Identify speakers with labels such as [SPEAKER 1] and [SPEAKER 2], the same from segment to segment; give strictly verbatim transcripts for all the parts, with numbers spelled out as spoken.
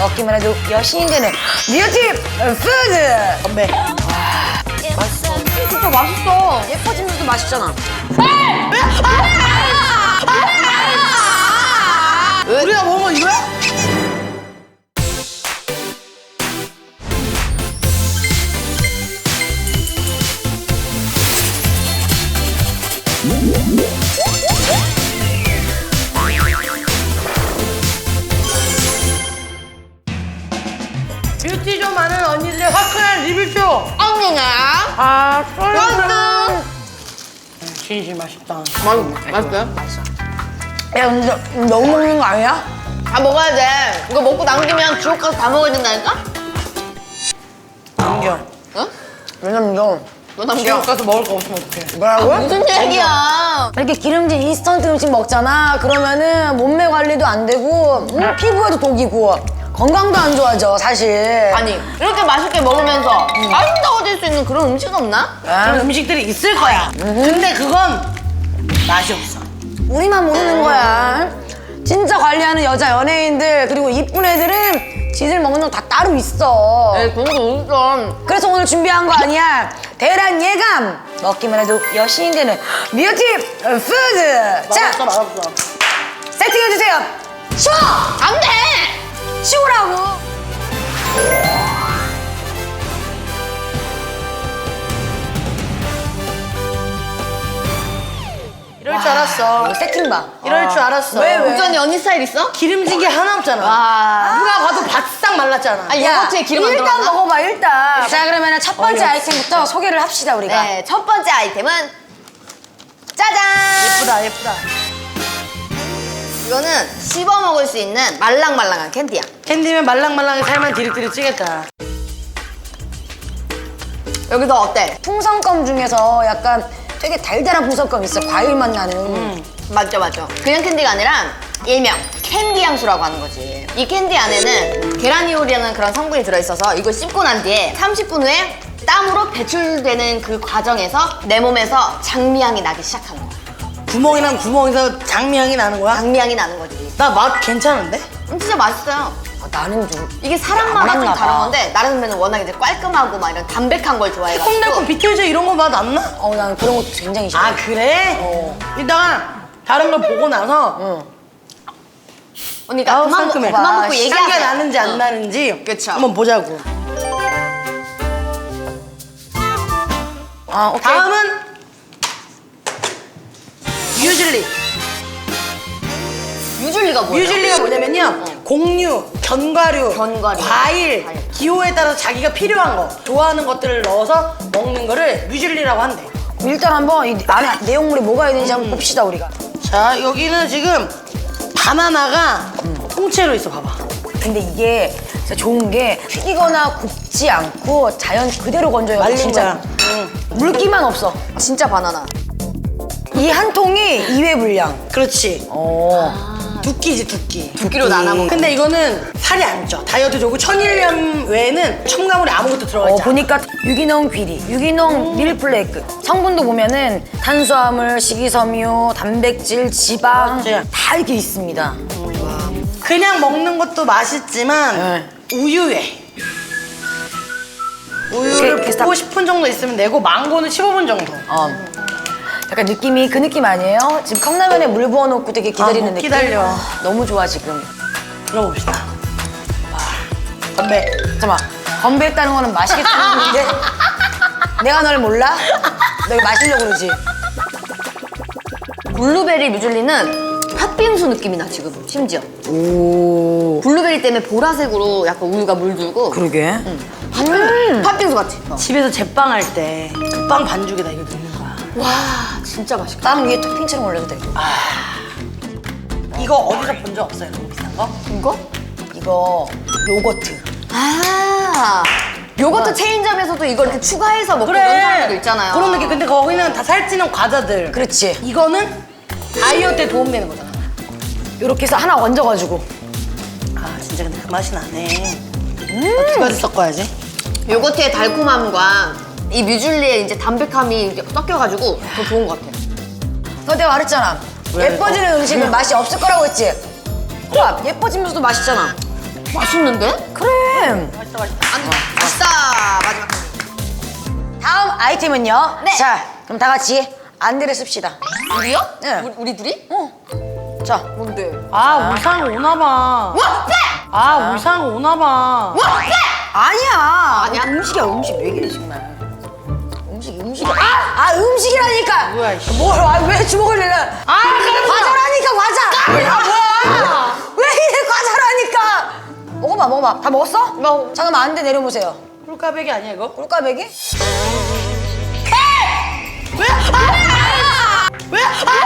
[SPEAKER 1] 먹기만 해도 여신이 되는 뷰티 푸드. 건배.
[SPEAKER 2] 맛있어. 진짜 맛있어.
[SPEAKER 1] 예뻐지면서도 맛있잖아.
[SPEAKER 3] 우리가 먹은 건 이거야? 뷰티 좀 아는 언니들의 화끈한 리뷰쇼.
[SPEAKER 2] 언니가
[SPEAKER 3] 아,
[SPEAKER 2] 맛있어.
[SPEAKER 3] 진실 맛있다.
[SPEAKER 2] 맛있, 맛있어요?
[SPEAKER 1] 야, 근데 너무 먹는 거 아니야?
[SPEAKER 2] 아, 먹어야 돼. 이거 먹고 남기면 지옥 가서 다 먹어야 된다니까?
[SPEAKER 3] 남겨.
[SPEAKER 2] 어?
[SPEAKER 1] 왜냐면 너
[SPEAKER 2] 너 남겨.
[SPEAKER 3] 지옥 가서 먹을 거 없으면 어떡해.
[SPEAKER 1] 뭐라고?
[SPEAKER 2] 무슨 얘기야?
[SPEAKER 1] 이렇게 기름진 인스턴트 음식 먹잖아. 그러면은 몸매 관리도 안 되고 음, 피부에도 독이고 건강도 안 좋아져 사실.
[SPEAKER 2] 아니, 이렇게 맛있게 먹으면서 아름다워질 수 있는 그런 음식 없나?
[SPEAKER 3] 그런 음식들이 있을 거야. 근데 그건 맛이 없어.
[SPEAKER 1] 우리만 모르는 거야. 진짜 관리하는 여자 연예인들 그리고 이쁜 애들은 지들 먹는 거 다 따로 있어.
[SPEAKER 2] 에이, 그런 거 어딨어.
[SPEAKER 1] 그래서 오늘 준비한 거 아니야. 대란 예감. 먹기만 해도 여신이 되는 뷰티 푸드. 자,
[SPEAKER 3] 맛없어, 맛없어.
[SPEAKER 1] 세팅해주세요. 치워!
[SPEAKER 2] 안 돼!
[SPEAKER 1] 치우라고.
[SPEAKER 3] 이럴 줄 알았어.
[SPEAKER 1] 이거 세팅 봐.
[SPEAKER 3] 이럴 줄 알았어.
[SPEAKER 1] 왜, 왜?
[SPEAKER 2] 우주 언니 언니 스타일 있어?
[SPEAKER 3] 기름진 게 하나 없잖아.
[SPEAKER 2] 와.
[SPEAKER 3] 누가 봐도 바싹 말랐잖아.
[SPEAKER 2] 아, 요거트에 기름 안
[SPEAKER 1] 일단
[SPEAKER 2] 들어갔나?
[SPEAKER 1] 먹어봐 일단. 자 그러면 첫 번째 아이템부터 소개를 합시다 우리가.
[SPEAKER 2] 네, 첫 번째 아이템은 짜잔!
[SPEAKER 3] 예쁘다, 예쁘다.
[SPEAKER 2] 이거는 씹어 먹을 수 있는 말랑말랑한 캔디야.
[SPEAKER 3] 캔디면 말랑말랑하게 살만 디릿디릿 찌겠다.
[SPEAKER 2] 여기서 어때?
[SPEAKER 1] 풍선껌 중에서 약간 되게 달달한 풍선껌 있어. 과일 맛 나는.
[SPEAKER 3] 음.
[SPEAKER 2] 맞죠, 맞죠. 그냥 캔디가 아니라 일명 캔디 향수라고 하는 거지. 이 캔디 안에는 게라니올이라는 그런 성분이 들어있어서 이걸 씹고 난 뒤에 삼십 분 후에 땀으로 배출되는 그 과정에서 내 몸에서 장미향이 나기 시작하는 거야.
[SPEAKER 3] 구멍이랑 구멍에서 장미향이 나는 거야?
[SPEAKER 2] 장미향이 나는 거지.
[SPEAKER 3] 나 맛 괜찮은데?
[SPEAKER 2] 음, 진짜 맛있어요.
[SPEAKER 1] 아, 나는 좀
[SPEAKER 2] 이게 사람
[SPEAKER 1] 안
[SPEAKER 2] 맛은 좀
[SPEAKER 1] 맞나
[SPEAKER 2] 다른
[SPEAKER 1] 봐.
[SPEAKER 2] 건데 나른 선배는 워낙 이제 깔끔하고 막 이런 담백한 걸 좋아해가지고
[SPEAKER 3] 새콤달콤 비틀즈 이런 거 맛 안 나?
[SPEAKER 1] 어, 난 그런 것도 굉장히 싫어.
[SPEAKER 3] 아, 그래?
[SPEAKER 1] 어.
[SPEAKER 3] 이따가 다른 걸 보고 나서
[SPEAKER 1] 응.
[SPEAKER 2] 언니 나
[SPEAKER 3] 아우,
[SPEAKER 2] 그만, 먹,
[SPEAKER 3] 상큼해.
[SPEAKER 2] 그만 먹고
[SPEAKER 3] 향기가
[SPEAKER 2] 얘기하세요.
[SPEAKER 3] 나는지 안
[SPEAKER 2] 어.
[SPEAKER 3] 나는지
[SPEAKER 2] 그쵸.
[SPEAKER 3] 한번 보자고.
[SPEAKER 1] 아, 오케이.
[SPEAKER 3] 다음은 뮤즐리.
[SPEAKER 2] 유줄리가 뭐예요?
[SPEAKER 3] 뮤즐리가 뭐냐면요. 곡류, 견과류,
[SPEAKER 2] 견과류,
[SPEAKER 3] 과일,
[SPEAKER 2] 과일.
[SPEAKER 3] 기호에 따라서 자기가 필요한 거, 좋아하는 것들을 넣어서 먹는 거를 뮤즐리라고 한대.
[SPEAKER 1] 일단 한번 이 안에 내용물이 뭐가 있는지 한번 봅시다 우리가.
[SPEAKER 3] 자, 여기는 지금 바나나가 통째로 있어, 봐봐.
[SPEAKER 1] 근데 이게 진짜 좋은 게 튀기거나 굽지 않고 자연 그대로 건져요.
[SPEAKER 3] 말린
[SPEAKER 1] 진짜.
[SPEAKER 3] 거야. 응.
[SPEAKER 1] 물기만 없어.
[SPEAKER 2] 진짜 바나나.
[SPEAKER 1] 이 한 통이 이 회 분량.
[SPEAKER 3] 그렇지.
[SPEAKER 1] 어.
[SPEAKER 3] 두끼지, 두끼.
[SPEAKER 2] 두 끼로 나눠 먹는
[SPEAKER 3] 근데 이거는 살이 안 쪄. 다이어트 좋고 천일염 외에는 첨가물이 아무것도 들어가
[SPEAKER 1] 어,
[SPEAKER 3] 있지 않아.
[SPEAKER 1] 보니까 유기농 귀리, 유기농 밀플레이크 성분도 보면은 탄수화물, 식이섬유, 단백질, 지방
[SPEAKER 3] 맞지?
[SPEAKER 1] 다 이렇게 있습니다.
[SPEAKER 3] 그냥 먹는 것도 맛있지만
[SPEAKER 1] 네.
[SPEAKER 3] 우유에 우유를
[SPEAKER 1] 이렇게
[SPEAKER 3] 붓고
[SPEAKER 1] 딱-
[SPEAKER 3] 십 분 정도 있으면 되고 망고는 십오 분 정도.
[SPEAKER 1] 어. 약간 느낌이 그 느낌 아니에요? 지금 컵라면에 물 부어놓고 되게 기다리는
[SPEAKER 3] 아, 못
[SPEAKER 1] 느낌.
[SPEAKER 3] 기다려.
[SPEAKER 1] 너무 좋아 지금.
[SPEAKER 3] 들어봅시다. 와, 건배.
[SPEAKER 1] 잠깐만 건배했다는 거는 맛있겠다는 건데 내가 널 몰라? 너 이거 마시려고 그러지?
[SPEAKER 2] 블루베리 뮤즐리는 팥빙수 느낌이 나 지금 심지어.
[SPEAKER 1] 오.
[SPEAKER 2] 블루베리 때문에 보라색으로 약간 우유가 물들고
[SPEAKER 1] 그러게.
[SPEAKER 2] 팥빙, 팥빙수 같아. 어.
[SPEAKER 3] 집에서 제빵할 때 그 빵 반죽에다 이거 넣는 거야.
[SPEAKER 2] 와 진짜 맛있다.
[SPEAKER 1] 땀 위에 토핑처럼 올려도 돼.
[SPEAKER 3] 이거 어디서 본 적 없어요? 너무 비싼 거?
[SPEAKER 2] 이거?
[SPEAKER 1] 이거 요거트.
[SPEAKER 2] 아 요거트 체인점에서도 이걸 이렇게 추가해서 먹고 이런 사람들도 있잖아요.
[SPEAKER 3] 그런 느낌. 근데 거기는 다 살찌는 과자들.
[SPEAKER 1] 그렇지.
[SPEAKER 3] 이거는 다이어트에 도움되는 거잖아.
[SPEAKER 1] 요렇게 해서 하나 얹어가지고.
[SPEAKER 3] 아, 진짜 근데 그 맛이 나네. 음. 두 가지 섞어야지.
[SPEAKER 2] 요거트의 달콤함과 이 뮤즐리의 이제 담백함이 이제 섞여가지고 더 좋은 것 같아요.
[SPEAKER 1] 너 내가 말했잖아.
[SPEAKER 3] 왜?
[SPEAKER 1] 예뻐지는
[SPEAKER 3] 어.
[SPEAKER 1] 음식은
[SPEAKER 3] 그냥-
[SPEAKER 1] 맛이 없을 거라고 했지? 봐, 예뻐지면서도 맛있잖아.
[SPEAKER 2] 맛있는데?
[SPEAKER 1] 그래.
[SPEAKER 3] 맛있다 맛있다.
[SPEAKER 2] 안 맛있다. 마지막 캔디.
[SPEAKER 1] 다음 아이템은요.
[SPEAKER 2] 네.
[SPEAKER 1] 자, 그럼 다 같이 안대를 씁시다.
[SPEAKER 2] 우리요?
[SPEAKER 1] 네.
[SPEAKER 2] 우리, 우리 둘이?
[SPEAKER 1] 어. 자,
[SPEAKER 2] 뭔데?
[SPEAKER 3] 아 울산 오나봐.
[SPEAKER 2] 와! 빼!
[SPEAKER 3] 아 울산 오나봐.
[SPEAKER 2] 와! 빼!
[SPEAKER 1] 아니야.
[SPEAKER 2] 아니야?
[SPEAKER 1] 음식이야, 음식. 왜 그래, 정말. 음식, 음식이야. 아, 아 음식이라니까.
[SPEAKER 3] 뭐야, 이씨.
[SPEAKER 1] 뭘, 아, 왜 주먹을 내려.
[SPEAKER 3] 아 그래.
[SPEAKER 1] 과자라니까, 과자.
[SPEAKER 3] 야 뭐야?
[SPEAKER 1] 왜 이래, 과자라니까. 먹어봐, 먹어봐. 다 먹었어?
[SPEAKER 2] 먹어.
[SPEAKER 1] 잠깐만, 안대 내려보세요.
[SPEAKER 3] 꿀까베기 아니야 이거?
[SPEAKER 1] 꿀까베기?
[SPEAKER 3] 왜? 아! 왜?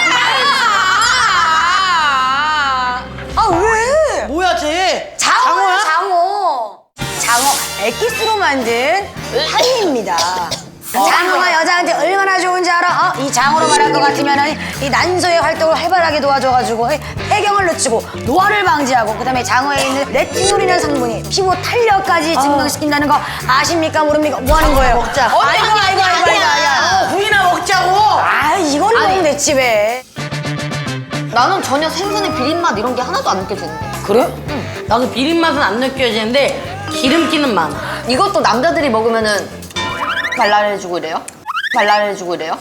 [SPEAKER 1] 아, 왜?
[SPEAKER 3] 뭐야 쟤?
[SPEAKER 1] 장어야,
[SPEAKER 3] 장어야?
[SPEAKER 1] 장어. 장어 액기스로 만든 한입니다. 장어가 여자한테 얼마나 좋은지 알아? 어? 이 장어로 말할 것 같으면 이 난소의 활동을 활발하게 도와줘가지고 폐경을 늦추고 노화를 방지하고 그다음에 장어에 있는 레티놀이라는 성분이 피부 탄력까지 증강시킨다는 거 아십니까 모릅니까? 뭐 하는 거예요?
[SPEAKER 3] 먹자.
[SPEAKER 1] 아이고 아이고 아이고 아이고 아이고.
[SPEAKER 3] 어, 구이나 먹자고.
[SPEAKER 1] 아 이거를
[SPEAKER 2] 아니.
[SPEAKER 1] 먹으면 됐지 왜?
[SPEAKER 2] 나는 전혀 생선의 비린맛 이런 게 하나도 안 느껴지는데.
[SPEAKER 1] 그래?
[SPEAKER 3] 나도 비린 맛은 안 느껴지는데 기름기는 많아.
[SPEAKER 2] 이것도 남자들이 먹으면은 발랄해지고 이래요? 발랄해지고 이래요?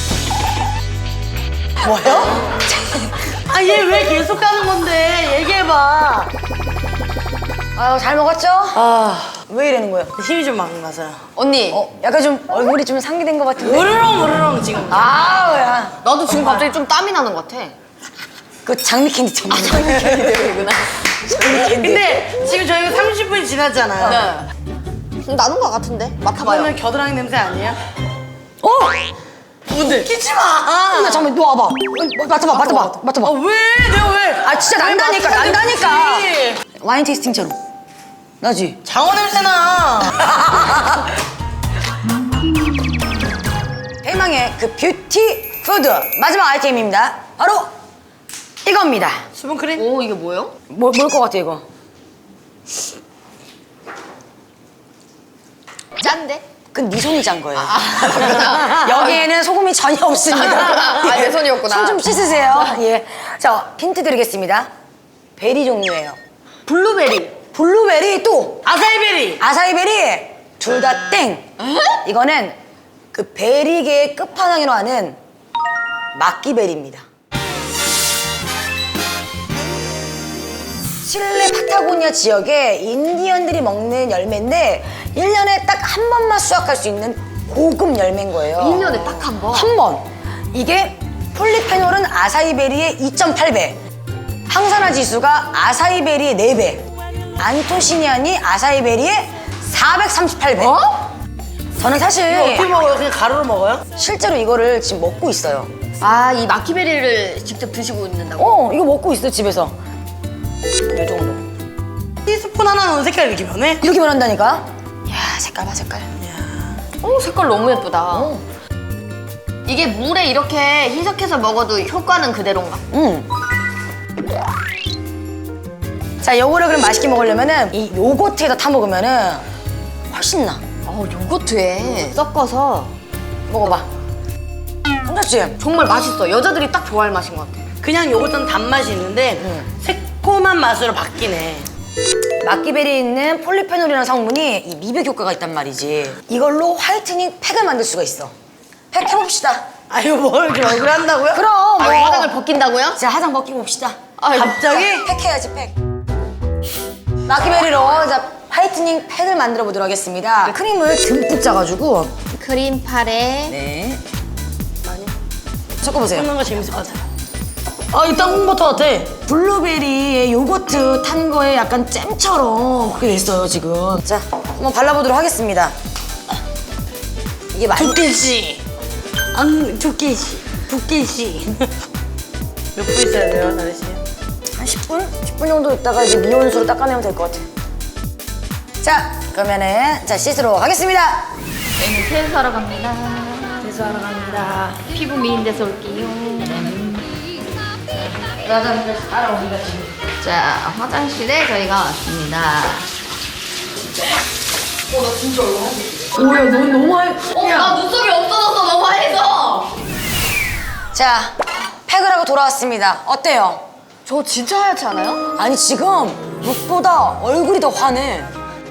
[SPEAKER 1] 뭐요?
[SPEAKER 3] 아 얘 왜 계속 가는 건데? 얘기해봐.
[SPEAKER 1] 아유 잘 먹었죠?
[SPEAKER 3] 아
[SPEAKER 1] 왜 이러는 거예요?
[SPEAKER 3] 힘이 좀 막 나서요.
[SPEAKER 2] 언니,
[SPEAKER 1] 어 약간 좀 얼굴이 좀 상기된 것 같은데.
[SPEAKER 3] 으르렁 으르렁 지금.
[SPEAKER 1] 아우야.
[SPEAKER 2] 나도 지금 갑자기 좀 땀이 나는 것 같아.
[SPEAKER 1] 그 장미 캔디 때문에.
[SPEAKER 2] 이구나.
[SPEAKER 1] 장미 캔디.
[SPEAKER 3] 근데 지금 저희가 삼십 분이 지났잖아요.
[SPEAKER 2] 네. 나는 것 같은데? 맡아봐요.
[SPEAKER 3] 그거는 겨드랑이 냄새 아니에요?
[SPEAKER 1] 어?
[SPEAKER 3] 뭔데? 끼지 마.
[SPEAKER 1] 야, 잠깐만, 너 와봐. 어, 맡아봐, 맡아봐, 맡아봐.
[SPEAKER 3] 아 왜? 내가 왜?
[SPEAKER 1] 아, 진짜
[SPEAKER 3] 왜
[SPEAKER 1] 난다니까,
[SPEAKER 3] 맡으면
[SPEAKER 1] 난다니까.
[SPEAKER 3] 되지?
[SPEAKER 1] 와인 테이스팅처럼. 나지?
[SPEAKER 3] 장어 냄새나.
[SPEAKER 1] 대망의 그 뷰티 푸드 마지막 아이템입니다. 바로 이겁니다.
[SPEAKER 3] 수분크림?
[SPEAKER 2] 오, 이게 뭐예요?
[SPEAKER 1] 뭐, 뭘 것 같아, 이거?
[SPEAKER 2] 짠데?
[SPEAKER 1] 그건 네 손이 짠 거예요.
[SPEAKER 2] 그렇구나.
[SPEAKER 1] 여기에는 소금이 전혀 없습니다.
[SPEAKER 2] 아, 내 손이었구나.
[SPEAKER 1] 손 좀 씻으세요. 예. 자, 힌트 드리겠습니다. 베리 종류예요.
[SPEAKER 2] 블루베리.
[SPEAKER 1] 블루베리 또
[SPEAKER 3] 아사이베리.
[SPEAKER 1] 아사이베리 둘 다 땡. 이거는 그 베리계의 끝판왕이라고 하는 막기베리입니다. 칠레 파타고니아 지역의 인디언들이 먹는 열매인데 일 년에 딱 한 번만 수확할 수 있는 고급 열매인 거예요.
[SPEAKER 2] 일 년에 딱 한 번.
[SPEAKER 1] 한 번. 이게 폴리페놀은 아사이베리의 이 점 팔 배, 항산화 지수가 아사이베리의 네 배, 안토시니안이 아사이베리의 사백삼십팔 배.
[SPEAKER 2] 어?
[SPEAKER 1] 저는 사실
[SPEAKER 3] 이거 어떻게 먹어요? 그냥 가루로 먹어요?
[SPEAKER 1] 실제로 이거를 지금 먹고 있어요.
[SPEAKER 2] 아, 이 마키베리를 직접 드시고 있는다고?
[SPEAKER 1] 어, 이거 먹고 있어요, 집에서. 이 정도.
[SPEAKER 3] 티스푼 하나 넣은 색깔 이렇게 변해?
[SPEAKER 1] 이렇게 변한다니까? 야, 색깔 봐, 색깔.
[SPEAKER 2] 오, 색깔 너무 예쁘다. 이게 물에 이렇게 희석해서 먹어도 효과는 그대로인가?
[SPEAKER 1] 응. 자, 요거를 그럼 맛있게 먹으려면은 이 요거트에다 타 먹으면은 훨씬 나.
[SPEAKER 2] 어, 요거트에 섞어서
[SPEAKER 1] 먹어봐. 괜찮지?
[SPEAKER 2] 정말 맛있어. 여자들이 딱 좋아할 맛인 것 같아.
[SPEAKER 3] 그냥 요거트는 단맛이 있는데 새콤한 맛으로 바뀌네.
[SPEAKER 1] 막기베리에 있는 폴리페놀이라는 성분이 이 미백 효과가 있단 말이지. 이걸로 화이트닝 팩을 만들 수가 있어. 팩 해봅시다.
[SPEAKER 3] 아유 뭘 이렇게 얼굴 한다고요?
[SPEAKER 1] 그럼
[SPEAKER 2] 아,
[SPEAKER 1] 뭐.
[SPEAKER 2] 화장을 벗긴다고요?
[SPEAKER 1] 자, 화장 벗기고 봅시다.
[SPEAKER 2] 아이고.
[SPEAKER 3] 갑자기?
[SPEAKER 1] 팩 해야지, 팩. 막기베리로 자, 화이트닝 팩을 만들어 보도록 하겠습니다. 크림을 듬뿍 짜가지고.
[SPEAKER 2] 크림파레.
[SPEAKER 1] 네. 많이. 섞어보세요.
[SPEAKER 3] 먹는 거 재밌을 것 같아. 아, 이 땅콩버터 같아.
[SPEAKER 1] 블루베리에 요거트 탄 거에 약간 잼처럼 그렇게 됐어요, 지금. 자, 한번 발라보도록 하겠습니다. 이게 많이.
[SPEAKER 3] 두께씨. 안, 두께씨. 두께씨. 몇 분 있어야 돼요, 다리 씨?
[SPEAKER 1] 한 십 분? 십 분 정도 있다가 이제 미온수로 닦아내면 될 것 같아. 자, 그러면은 자 씻으러 가겠습니다.
[SPEAKER 2] 저희는 세수하러 갑니다.
[SPEAKER 3] 세수하러 갑니다.
[SPEAKER 2] 피부 미인 데서 올게요.
[SPEAKER 3] 화장실 따라옵니다, 지금.
[SPEAKER 2] 자, 화장실에 저희가 왔습니다.
[SPEAKER 1] 오야, 너 너무 많이.
[SPEAKER 2] 어, 나 눈썹이 없어졌어. 너무 하얘서.
[SPEAKER 1] 자, 팩을 하고 돌아왔습니다. 어때요?
[SPEAKER 2] 저 진짜 하얗지 않아요?
[SPEAKER 1] 아니 지금 룩보다 얼굴이 더 환해.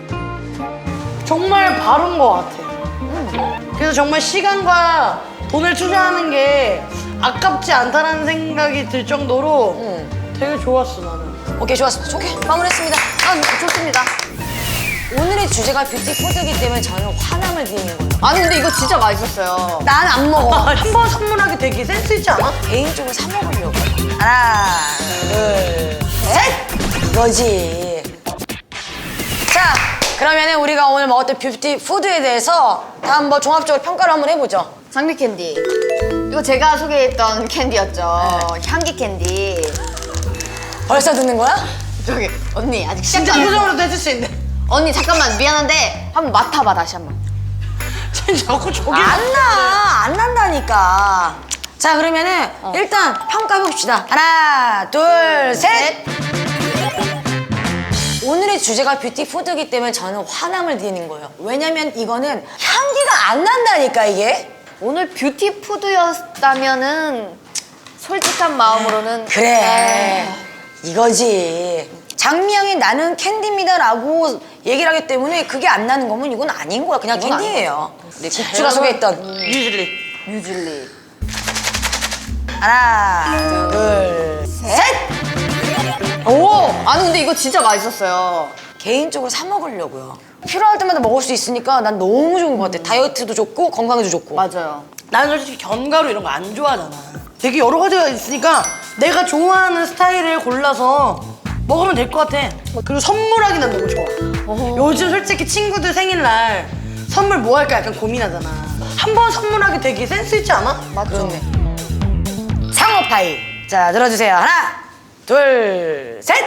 [SPEAKER 3] 정말 바른 것 같아. 그래서 정말 시간과 돈을 투자하는 게 아깝지 않다는 생각이 들 정도로 되게 좋았어 나는.
[SPEAKER 1] 오케이, 좋았습니다. 오케이, 마무리했습니다.
[SPEAKER 2] 아, 좋습니다.
[SPEAKER 1] 오늘의 주제가 뷰티 푸드이기 때문에 저는 화남을 드리는 거예요.
[SPEAKER 2] 아니 근데 이거 진짜 맛있었어요.
[SPEAKER 1] 난 안 먹어.
[SPEAKER 3] 한 번 선물하기 되게 센스 있지 않아?
[SPEAKER 1] 개인적으로 사 먹으려고. 하나, 둘, 셋! 이거지. 자, 그러면은 우리가 오늘 먹었던 뷰티 푸드에 대해서 다 한번 종합적으로 평가를 한번 해보죠.
[SPEAKER 2] 장미 캔디. 이거 제가 소개했던 캔디였죠. 향기 캔디.
[SPEAKER 1] 벌써 듣는 거야?
[SPEAKER 2] 저기 언니 아직 시작
[SPEAKER 3] 진짜
[SPEAKER 2] 안 했어.
[SPEAKER 3] 표정으로도 해줄 수 있는데.
[SPEAKER 2] 언니 잠깐만 미안한데 한번 맡아봐 다시 한번.
[SPEAKER 3] 쟤 자꾸 저기.
[SPEAKER 1] 안 나! 안 난다니까. 자, 그러면은 일단 평가해봅시다. 하나, 둘, 셋! 오늘의 주제가 뷰티 푸드이기 때문에 저는 화남을 드리는 거예요. 왜냐면 이거는 향기가 안 난다니까, 이게.
[SPEAKER 2] 오늘 뷰티 푸드였다면은 솔직한 마음으로는
[SPEAKER 1] 그래. 이거지. 장미향이 나는 캔디입니다라고 얘기를 하기 때문에 그게 안 나는 거면 이건 아닌 거야. 그냥
[SPEAKER 2] 이건
[SPEAKER 1] 캔디예요.
[SPEAKER 2] 네,
[SPEAKER 1] 국주가 소개했던
[SPEAKER 3] 유질리.
[SPEAKER 2] 뮤즐리.
[SPEAKER 1] 하나, 둘, 셋!
[SPEAKER 2] 오! 아니 근데 이거 진짜 맛있었어요.
[SPEAKER 1] 개인적으로 사 먹으려고요. 필요할 때마다 먹을 수 있으니까 난 너무 좋은 것 같아. 다이어트도 좋고 건강에도 좋고.
[SPEAKER 2] 맞아요.
[SPEAKER 3] 나는 솔직히 견과류 이런 거 안 좋아하잖아. 되게 여러 가지가 있으니까 내가 좋아하는 스타일을 골라서 먹으면 될 것 같아. 그리고 선물하기 난 너무 좋아. 요즘 솔직히 친구들 생일날 선물 뭐 할까 약간 고민하잖아. 한 번 선물하기 되게 센스 있지 않아?
[SPEAKER 2] 맞죠.
[SPEAKER 1] 상어파이. 자, 들어주세요. 하나, 둘, 셋!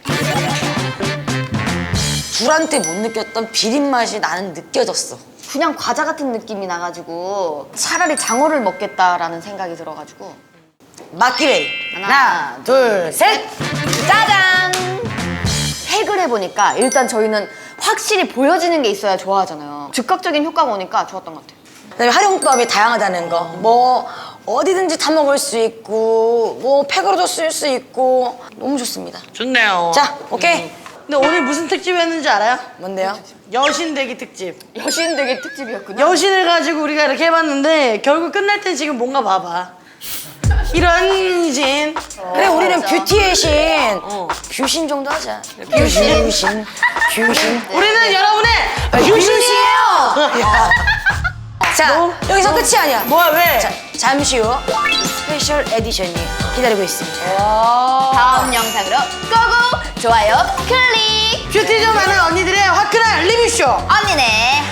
[SPEAKER 1] 둘한테 못 느꼈던 비린 맛이 나는 느껴졌어.
[SPEAKER 2] 그냥 과자 같은 느낌이 나가지고 차라리 장어를 먹겠다라는 생각이 들어가지고.
[SPEAKER 1] 막기베이.
[SPEAKER 2] 하나,
[SPEAKER 1] 하나, 둘, 셋!
[SPEAKER 2] 짜잔! 팩을 해보니까 일단 저희는 확실히 보여지는 게 있어야 좋아하잖아요. 즉각적인 효과가 오니까 좋았던 것 같아요.
[SPEAKER 1] 그다음에 활용법이 다양하다는 거. 뭐 어디든지 타 먹을 수 있고 뭐 팩으로도 쓸 수 있고 너무 좋습니다.
[SPEAKER 3] 좋네요.
[SPEAKER 1] 자, 오케이.
[SPEAKER 3] 근데 오늘 무슨 특집이었는지 알아요?
[SPEAKER 1] 뭔데요?
[SPEAKER 3] 여신대기 특집.
[SPEAKER 2] 여신 되게 특집이었군요.
[SPEAKER 3] 여신을 가지고 우리가 이렇게 해봤는데 결국 끝날 땐 지금 뭔가 봐봐. 이런 신.
[SPEAKER 1] 그래, 우리는
[SPEAKER 2] 맞아.
[SPEAKER 1] 뷰티의 신.
[SPEAKER 3] 어.
[SPEAKER 1] 뷰신 정도 하자. 뷰신, 뷰신, 뷰신.
[SPEAKER 3] 우리는 여러분의
[SPEAKER 1] 뷰신이에요! 자, 여기서 끝이 아니야.
[SPEAKER 3] 뭐야 왜?
[SPEAKER 1] 자, 잠시 후 스페셜 에디션이 기다리고 있습니다.
[SPEAKER 2] 다음 영상으로 고고! 좋아요 클릭!
[SPEAKER 3] 뷰티 좀 하는 언니들의 화끈한 리뷰쇼.
[SPEAKER 2] 언니네